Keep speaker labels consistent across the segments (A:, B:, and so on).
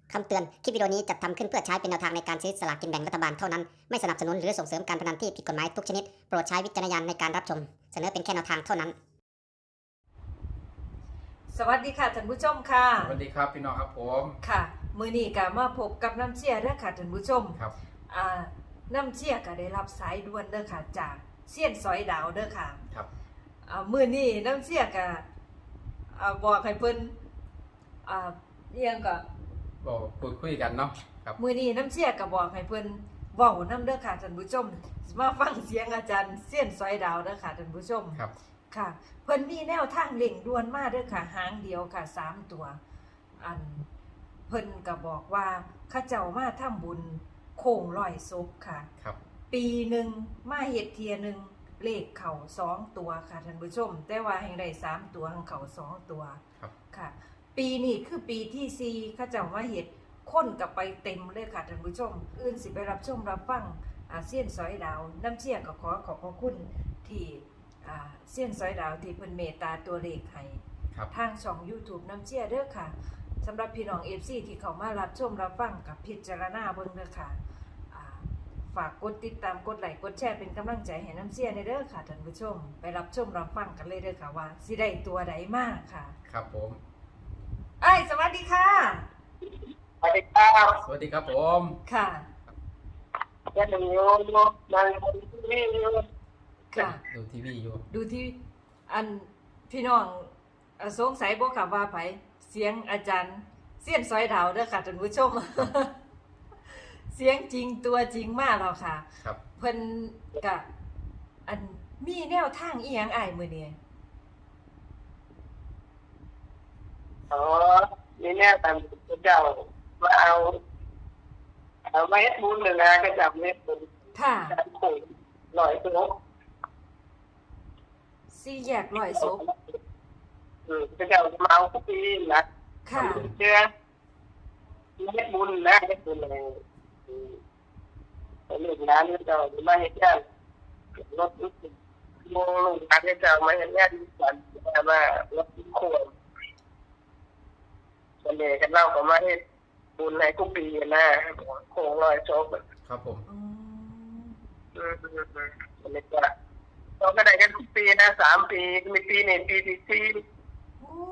A: คำเตือน คลิปวิดีโอนี้จัดทำขึ้นเพื่อใช้เป็นแนวทางในการซื้อสลากกินแบ่งรัฐบาลเท่านั้น ไม่สนับสนุนหรือส่งเสริมการพนันที่ผิดกฎหมายทุกชนิด โปรดใช้วิจารณญาณในการรับชม เสนอเป็นแค่แนวทางเท่านั้น
B: สวัสดีค่ะท่านผู้ชมค่ะ
C: สวัสดีครับพี่น้องครับผม
B: ค่ะมื้อนี้ก็มาพบกับน้ำเชี่ยเด้อค่ะท่านผู้ชม
C: ครับ
B: น้ำเชี่ยก็ได้รับสายด่วนเด้อค่ะจากเซียนสอยดาวเด้อค่ะ
C: ครับ
B: มื้อนี้น้ำเชี่ยก็บอกให้เพิ่นเอียงก็
C: บอกพูดคุยกันเนาะครับ
B: มื้อนี้น้ำเชี่ยก็บอกให้เพิ่นเว้านำเด้อค่ะท่านผู้ชมมาฟังเสียงอาจารย์เซียนสอยดาวเด้อค่ะท่านผู้ชม
C: ครับ
B: ค่ะเพิ่นมีแนวทางเล่งด่วนมาเด้อค่ะหางเดียวค่ะ3ตัวเพิ่นก็บอกว่าข้าเจ้ามาทำบุญโค้งร้อยศพค่ะ
C: ครับ
B: ปีหนึ่งมาเฮ็ดเทียหนึงเลขเข้า2ตัวค่ะท่านผู้ชม แต่ว่าแห่งได้3ตัวแห่งเข้า2ตัว
C: ครับ
B: ค่ะ ปีนี้คือปีที่4ข้าเจ้ามาเฮ็ดคนก็ไปเต็มเลยค่ะท่านผู้ชม อื่นสิไปรับชมรับฟังเซียนสอยดาวน้ำเชี่ยก็ขอบพระคุณที่เซียนสอยดาวที่เพิ่นเมตตาตัวเลขให้
C: ครับ
B: ทางช่อง YouTube น้ำเชี่ยเด้อค่ะสำหรับพี่น้อง FC ที่เข้ามารับชมรับฟังกับพิจารณาเบิ่งเด้อค่ะฝากกดติดตามกดไลค์กดแชร์เป็นกำลังใจให้น้ำเชี่ยในเด้อค่ะท่านผู้ชม ไปรับชมรับฟังกันเลยเด้อค่ะว่าสิได้ตัวใดมาค่ะ
C: ครับผม
B: อ้ายสวัสดีค่ะ
D: สวัสดีครับ
C: สวัสดีครับผม
B: ค่ะ
D: ยังอยู่นั่งบนที่นี่อยู่
B: ค่ะ
C: ดูทีวีอยู่
B: ดูที่พี่น้องสงสัยบ่ค่ะว่าไผเสียงอาจารย์เสียนซอยดาวเด้อค่ะท่านผู้ชม เสียงจริงตัวจริงมากแล้วค่ะ
C: ครับ
B: เพิ่นกะมีแนวทางอีหยังอ้ายมื้อนี้
D: อ๋อนี่เนี่ยตามเจ้ามาเอาไม้บุญเลยนะก็จับเม็ดบุญ
B: ค่ะ
D: จับขุ่นหน่อยตัว
B: สี่แยกร้อยศพ
D: ก็จะมาเอาทุกปีนะ
B: ค่ะ
D: เชื่อเม็ดบุญนะเม็ดบุญเลยเรื่องนั้นก็จะมาเห็นยังรถโมลงการก็จะมาเห็นยังกันมารถขวดส่วนใหญ่กันเล่าก็มาเห็นบุญในทุกปีนะโค้งลอยโชค
C: ครับผม
B: อืม
D: มันจะเราก็ได้กันทุกปีนะ3 ปีมีปีหนึ่งปีที่สี่
B: โอ้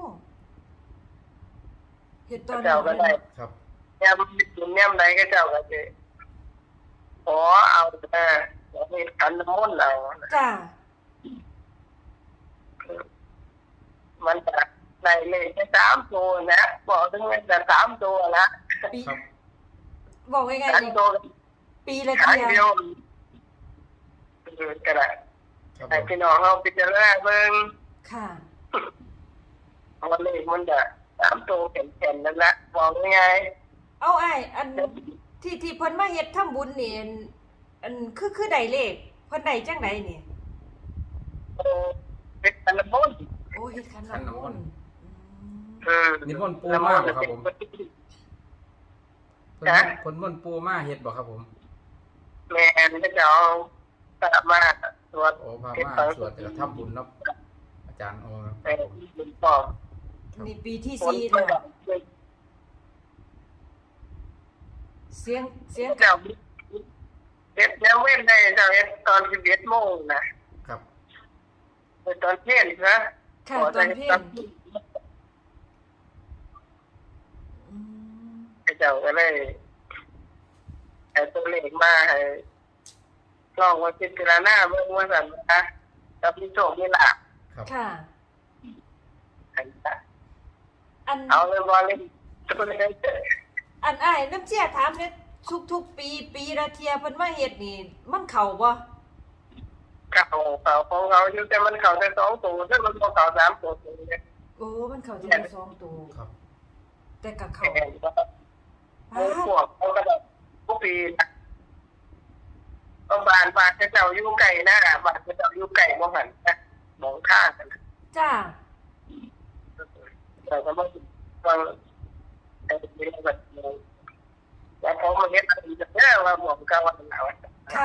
B: เฮ็ดตอน
D: เจ้าก็ได้
C: ครับ
D: แง่บุญแง่ใดก็เจ้าก็จะขอเอาเรามีขันน้ำมนต์เรา
B: จ้า
D: มันจะได้เลยแค่3 ตัวนะบอกถึงมันจะ3 ตัวนะ
B: ปี
C: ครับ
B: บอกง่าย
D: 3
B: ๆ
D: ตัว
B: ปีละ
D: ขาย
B: เที่ย
D: เดียวก็ได้
C: ครับผ
D: ให้
C: ม
D: พี่น้องเราพิจารณาเบิ่ง
B: ค่ะ
D: วันนี้มันจะ3 ตัวเข็นๆนั่นแหละบอกง่าย
B: เอาอ้ายที่เพิ่นมาเฮ็ดทำบุญนี่คือได้เลขเพิ่นได้จังไดนี่
D: เป็นขันน้ำมนต์
B: โอ้เฮ็ดขันน้ำมนต์
C: นิมนต์ปูมากบ่ครับผมคนมนต์ปูมาเฮ็ดบ่ครับผม
D: แม่ก็จะเอาสามารถตรวจ
C: โอ้พามาสวดแต่ทำบุญเนาะอาจารย์โอ้ครับ
D: เป็นบุญปอบ
B: นี่ปีที่
D: ผล
B: 4
D: ก็
B: แล้ว
D: จะ
B: เสียง
D: เจ้าเด็ดแล้วเว้นได้เจ้าเฮ็ดตอน11 โมงนะครับ ตอนเที่ยงนะ
B: ค่ะตอนเที่ยงอืม
D: เจ้าก็เลยเอาตัวเลขมาให้ลองว่าพิจารณาเบิ่งว่าซั่นนะถ้ามีโชคมีลาภ
C: ครับ
B: ค่ะ
D: ให้จ้ะ
B: อัน
D: เอาเลยบ่เลยตัวเลข
B: อ้ายน้ำเชี่ยถามเนี่ยทุกปีละเที่ยเพิ่นมาเฮ็ดนี่มันเข้าบ่
D: เก่าของเขาอยู่แต่มันเข้าแต่2 ตัวแต่มันบ่เข้า3 ตัวเนี่ย
B: โอ้มันเข้าทีละ2ตัว
C: ครับ
B: แต่ก็
D: แข่
B: เข้าง
D: ก็หมูพวกเขาก็ได้ทุกปีนะบ้านเจ้าอยู่ไก่นะบ้านเจ้าอยู่ไก่บ่หันนะมองข้างกัน
B: จ้า
D: แต่ก็บ่ฟังไอ้เรื่องแบบนี้แล้วพอมาเฮ็ดอีกแล้วว่าหมองกาว่าหนาว
B: ค่ะ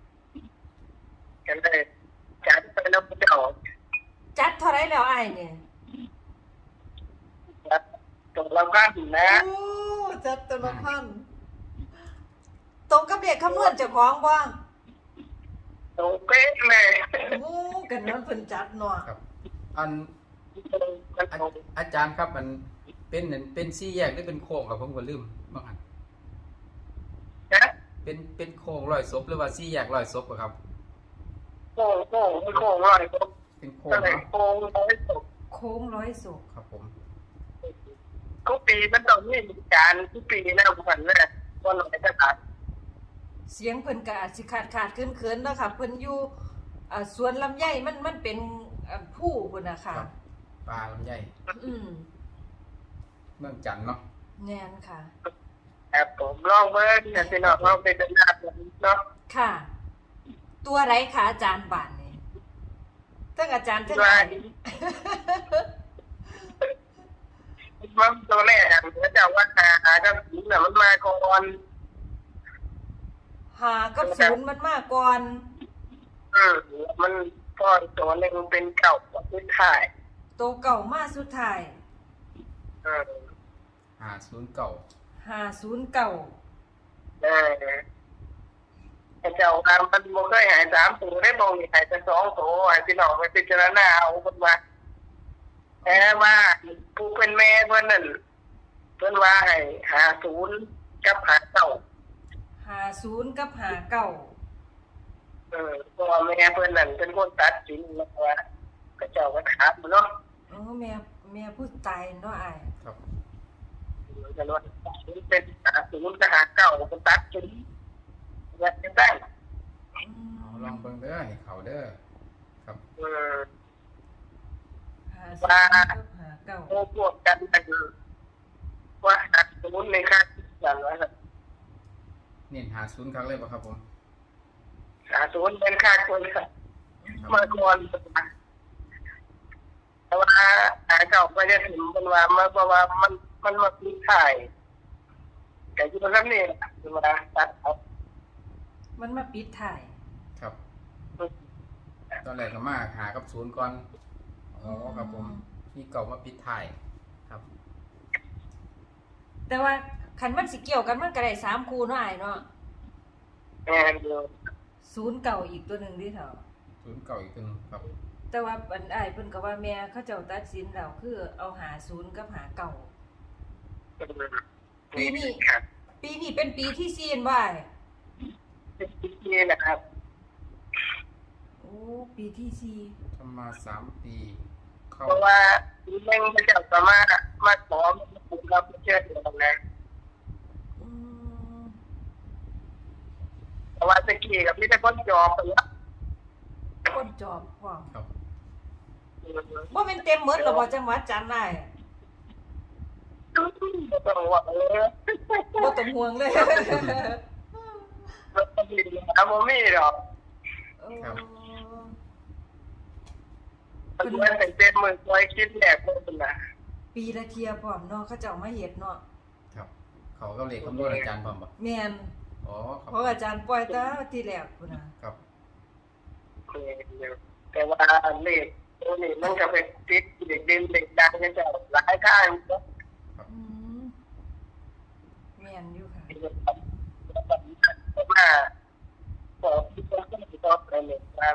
D: กันได้จัดไปแล้วเจ้า
B: จัดเท่าไรแล้วอ้ายเนี่ย
D: จัดตรงเราข้างนะ
B: โอ้จัดตัวละพันตรงกับเด็กคำนวณเจ้าของบ่
D: ตรงเป๊ะเลย
B: โอ้กันนั้นเพิ่นจัดเนาะ
C: ครับ อัน
D: มันตรง
C: อาจารย์ครับมันเป็นสี่แยกหรือเป็นโค้งครับผมก็ลืมบางอัน
D: นะ
C: เป็นโค้งร้อยศพหรือว่าสี่แยกร้อยศพอะครับ
D: โค้งร้อยตรง
C: เป็นโค้ง
D: ก็เลย
C: เนาะ
D: โค้งร้อยตรง
B: โค้งร้อยศพ
C: ครับผม
D: ทุกปีมันต้องมีการทุกปีนะวันแรกวันไหนจะตัด
B: เสียงเพิ่นก็อาจสิขาดเขินๆเนาะค่ะเพิ่นอยู่สวนลำไยมันเป็นผู้พุ่นน่ะค่ะ
C: ครับปลาลำไย
B: อืม
C: เมืองจันทน์เนาะ
B: แน่นค่ะ
D: ครับผมลองเบิ้งเนี่ยพี่น้องลองไปเป็นหน้าผมเนาะ
B: ค่ะ ตัวไรคะอาจารย์บานนี่ทั้งอาจารย์ทั้ง
D: ว่า
B: อา
D: มันตัวแรกอะมันจะว่าหากับผีน่ะมันมาก่อน
B: หากับศูนย์มันมากก่อน
D: มันพ่อตัวหนึ่งเป็นเก่ากับพื้นถ่าย
B: โตวเก่ามาสุดท้าย
C: 509
B: 509
D: เจ้าตามมันโมเคยหาย3 ตัวได้บองหายแต่2 ตัวให้พี่น้องไปพิจารณาเอาคนมาแต่ว่าผู้เป็นแม่เพื่อนนั่นเพื่อนว่าให้50กับ59
B: 50กับ59
D: เพราะว่าแม่เพื่อนนั่นเป็นคนตัดสินแล้วว่าก็เจ้าก็ถามเนาะ
B: โอ้แม่ผู้ตายเนาะอ้าย
C: ครับ
D: กันว่าเป็น50กับ59ก็ตัดสินว่าจะได้
C: เอาลองเบิ่งเด้อให้เขาเด้อครับ
B: 50กับ
D: โอ้พวกกันคือว่า50ในค่าอย่างว่า
C: เน้น50ครั้งเลยบ่ครับผม
D: 50เป็นค่าคนค่ะเมื่อก่อนแต่ว่าเก่าก็จะถึงเป็นว่าเมื่อเพราะว่ามันมาพิถ่ายแต่ที่มันนี่คือว่าตัดเอา
B: มันมาปิดถ่าย
C: ครับ ตอนแรกก็มาหากับศูนย์ก่อนอ๋อครับผมมีเก่ามาปิดท้ายครับ
B: แต่ว่าคันมันสิเกี่ยวกันมันก็ได้3คู่เนาะอ้ายเนาะ
D: แม่เดียว
B: 0เก่าอีกตัวหนึงดิเถาะ
C: ศูนย์เก่าอีกตัวหนึงครับ
B: แต่ว่าอันอ้ายเพิ่นก็ว่าแม่เขาเจ้าตัดสินแล้วคือเอา50กับ59 ปีนี้
D: ครับ
B: ปีนี้เป็นปีที่4นบ่าย
D: นี่นะครับ
B: โอ้ปีที่
C: ทำมา3 ปีเข้า
D: เพราะว่าเม่งพระเจ้าสามารถมาขอมาปลุกเราเชื่อถือตรงนั้น
B: 4อืม
D: เพราะว่าตะกี้กับพี่ตะก้นจอไปแล้ว
B: คนจอบพร้อม
C: ครับ
B: บ่แม่นเต็มหมดหรอกบ่จังหวัดจันทน์ได้
D: ต้องว่าเลย
B: บ่ต้องห่วงเลย
D: มันจะมีนะโมมี่หรอก
B: โอ้
D: มันเป็นมือคอยคิดแหลกคนนะ
B: ปีละเที่ยพร้อมเนาะเขาเจ้ามาเฮ็ดเนาะ
C: ครับ เขาก็เลขคำนวณอาจารย์พร้อมบ่
B: แม่น
C: อ๋อครับ
B: เพราะอาจารย์ปล่อยแต่ที่แรกพุ่นน่ะ
C: ครับ
D: แต่ว่าเลขตัวนี้มันจะเป็นติดเด็กเด่นเด็กดังจะเจ้าหลายข้างก็
B: อืมแม่นอยู่ค่ะ
D: ว่าบอกที่ต้องตอบอะไรเนี่ยตาม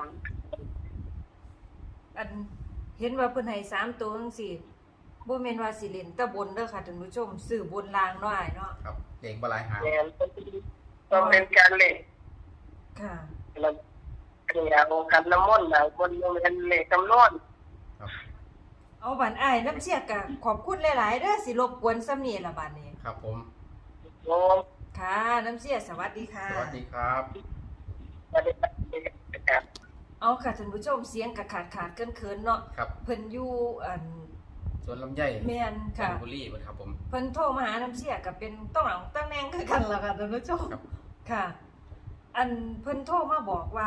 B: อันเห็นว่าเพิ่นให้3ตัวจังซี่บ่แม่นว่าสิเล่นแต่บนเด้อค่ะท่านผู้ชมซื้อบนล่างเนาะอ้ายเนาะ
C: ครับเลขบ่หลายหาง
D: แนนต้องเป็นการเล่น
B: ค่ะ
D: เราเนี่ยเอากันน้ำมนต์นะคนมันเล่นจำนวน
C: ครับ
B: เอาบัดอ้ายน้ำเสียกะขอบคุณหลายๆเด้อสิรบกวนซ้ำนี้ล่ะบัดนี้
C: ครับผม
D: โอ้
B: ค่ะน้ำเสียสวัสดีค่ะ
C: สวัสดีครับ
D: ไม่ได้ครับ
B: เอาค่ะท่านผู้ชมเสียงกะขาดเกินๆเนาะ
C: ครับ
B: เพิ่นอยู่อัน
C: สวนลำไย
B: แม่น
C: จั
B: ค่ะ
C: นทบุรีเพิ่นครับผม
B: เพิ่นโทรมาหาน้ำเสียก็เป็นต้องหลังตั้งแนงคือกันล่ะค่ะท่านผู้ชม
C: ครับ
B: ค่ะ อันเพิ่นโทรมาบอกว่า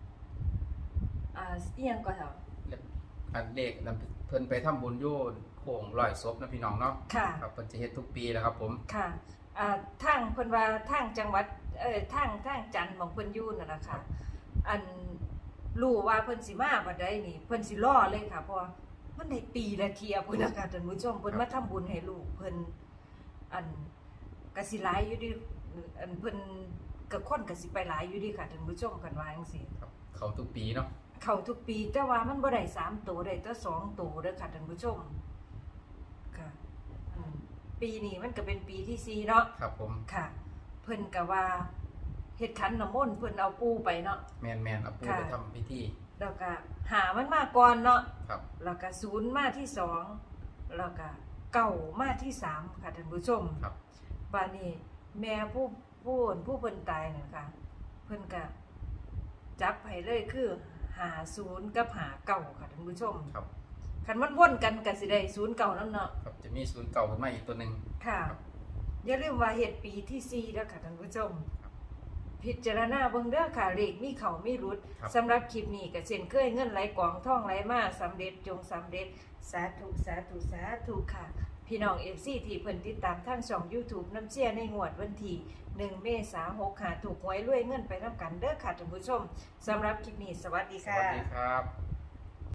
B: อีหยังก็เถอะ
C: อันเลขนั้นเพิ่นไปทำบุญโยนโค้งร้อยศพนะพี่น้องเนาะ
B: ค่ะ
C: ครับเพิ่นจะเฮ็ดทุกปีแล้วครับผม
B: ค่ะทางเพิ่นว่าทางจังหวัดทางจันทน์ของเพิ่นอยู่นั่นน่ะค่ะ อันรู้ว่าเพิ่นสิมาบัดใดนี่เพิ่นสิรอเลยค่ะเพราะว่ามันได้ปีละเที่ยพุ่นน่ะค่ะท่านผู้ชมเพิ่นมาทำบุญให้ลูกเพิ่นอันก็สิหลายอยู่ดิอันเพิ่นก็คนก็สิไปหลายอยู่ดิค่ะท่านผู้ชมกันว่าจังซี่
C: ครับเขาทุกปีเนาะ
B: เข้าทุกปีแต่ว่ามันบ่ได้3ตัวได้แต่2ตัวเด้อค่ะท่านผู้ชมค่ะปีนี้มันก็เป็นปีที่4เนาะ
C: ครับผม
B: ค่ะ เพิ่นก็ว่าเฮ็ดขันน้ำมนต์เพิ่นเอาปูไปเนาะ
C: แมนเอาปู
B: ค่ะ
C: ไปทำพิธี
B: แล้วก็หามันมาก่อนเนาะ
C: ครับ
B: แล้วก็0มาที่2แล้วก็9มาที่3ค่ะท่านผู้ชม
C: ครับ
B: บัดนี้แม่ผู้เพิ่นตายนั่นค่ะเพิ่นก็จับให้เลยคือ50กับ59ค่ะท่านผู้ชม
C: ครับ
B: คันมันวนกันก็สิได้09นำเนาะ
C: ครับจะมีศูนย์เก่าขึ้นมาอีกตัวหนึ่ง
B: ค่ะ
C: ครับ
B: อย่าลืมว่าเฮ็ดปีที่4แล้วค่ะท่านผู้ชม
C: ครับ
B: พิจารณาเบิ่งเด้อค่ะเลขมีเข้ามีรุด
C: ครับ
B: สำหรับคลิปนี้ก็เช่นเคยเงินไหลกองทองไหลมาสำเร็จจงสำเร็จสาธุสาธุสาธุค่ะ พี่น้อง FC ที่เพิ่นติดตามทางช่อง YouTube น้ำเชี่ยในงวดวันที่1เมษายน65ถูกหวยรวยเงินไปนำกันเด้อค่ะท่านผู้ชมสำหรับคลิปนี้สวัสดี
C: ส
B: ค่ะ
C: วัสดีครับ